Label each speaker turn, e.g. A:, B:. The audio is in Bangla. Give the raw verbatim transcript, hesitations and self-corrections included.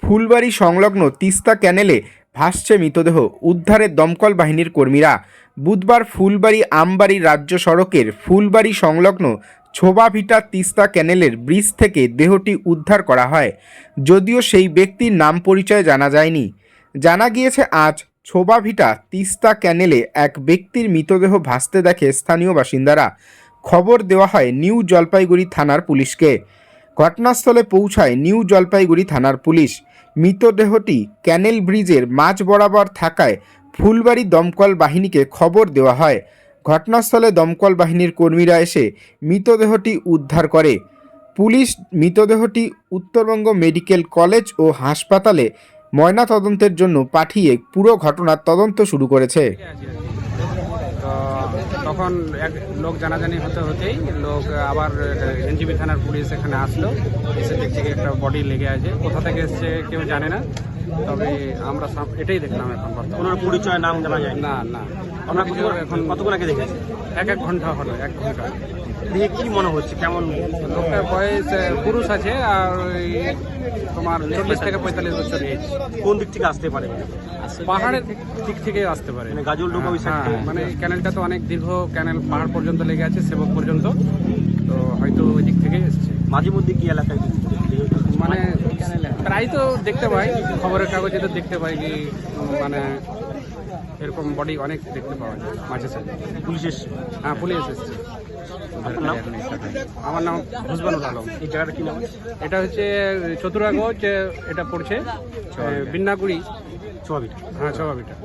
A: ফুলবাড়ি সংলগ্ন তিস্তা ক্যানেলে ভাসছে মৃতদেহ, উদ্ধারে দমকল বাহিনীর কর্মীরা। বুধবার ফুলবাড়ি আমবাড়ি রাজ্য সড়কের ফুলবাড়ি সংলগ্ন ছোবাভিটা তিস্তা ক্যানেলের ব্রিজ থেকে দেহটি উদ্ধার করা হয়। যদিও সেই ব্যক্তির নাম পরিচয় জানা যায়নি। জানা গিয়েছে আজ ছোবাভিটা তিস্তা ক্যানেলে এক ব্যক্তির মৃতদেহ ভাসতে দেখে স্থানীয় বাসিন্দারা। খবর দেওয়া হয় নিউ জলপাইগুড়ি থানার পুলিশকে। ঘটনাস্থলে পৌঁছায় নিউ জলপাইগুড়ি থানার পুলিশ। মৃতদেহটি ক্যানেল ব্রিজের মাঝ বরাবর থাকায় ফুলবাড়ি দমকল বাহিনীকে খবর দেওয়া হয়। ঘটনাস্থলে দমকল বাহিনীর কর্মীরা এসে মৃতদেহটি উদ্ধার করে। পুলিশ মৃতদেহটি উত্তরবঙ্গ মেডিকেল কলেজ ও হাসপাতালে ময়নাতদন্তের জন্য পাঠিয়ে পুরো ঘটনার তদন্ত শুরু করেছে।
B: তো তখন এক লোক জানাজানি হতে হতেই লোক আবার এনজিবি থানার পুলিশ এখানে আসলো, এসে দেখছে কি একটা বডি লেগে আছে। কোথা থেকে এসছে কেউ জানে না, তবে আমরা সব- এটাই দেখলাম এখন বর্তমানে।
C: ওনার পরিচয় নাম জানা যায় না।
B: না না
C: আমরা
B: আমরা
C: কতক্ষণ-
B: এখন
C: কতক্ষণ আগে দেখেছি?
B: এক এক ঘন্টা হলো, এক ঘন্টা।
C: দেখে কি মনে হচ্ছে, কেমন?
B: লোকটার বয়স আহ, পুরুষ আছে, আর ওই তোমার চল্লিশ থেকে পঁয়তাল্লিশ বছর এজ।
C: কোন দিক থেকে আসতে পারে?
B: পাহাড়ের দিক থেকে আসতে পারে,
C: মানে গাজল ডোবা ওই
B: হ্যাঁ,
C: side থেকে?
B: মানে ক্যানেলটা তো অনেক দীর্ঘ ক্যানেল, পাহাড় পর্যন্ত লেগে আছে, সেবক পর্যন্ত, তো হয়তো ওই দিক থেকে এসছে।
C: মাঝে মধ্যে কি এলাকায়
B: মানে প্রায় তো দেখতে পাই, খবরের কাগজে তো দেখতে পাই কি উম, মানে এরকম বডি অনেক দেখতে পাওয়া যায় মাঝে সাঝে।
C: পুলিশ এসছে?
B: হ্যাঁ, পুলিশ এসছে।
C: আপনার নাম?
B: আমার নাম হুসবানুল আলম।
C: এই জায়গাটা কি নাম?
B: এটা হচ্ছে চতুরাগঞ্জ, এটা পড়ছে বিন্নাগুড়ি,
C: ছোয়াবিটা।
B: হ্যাঁ, ছবাবিটা।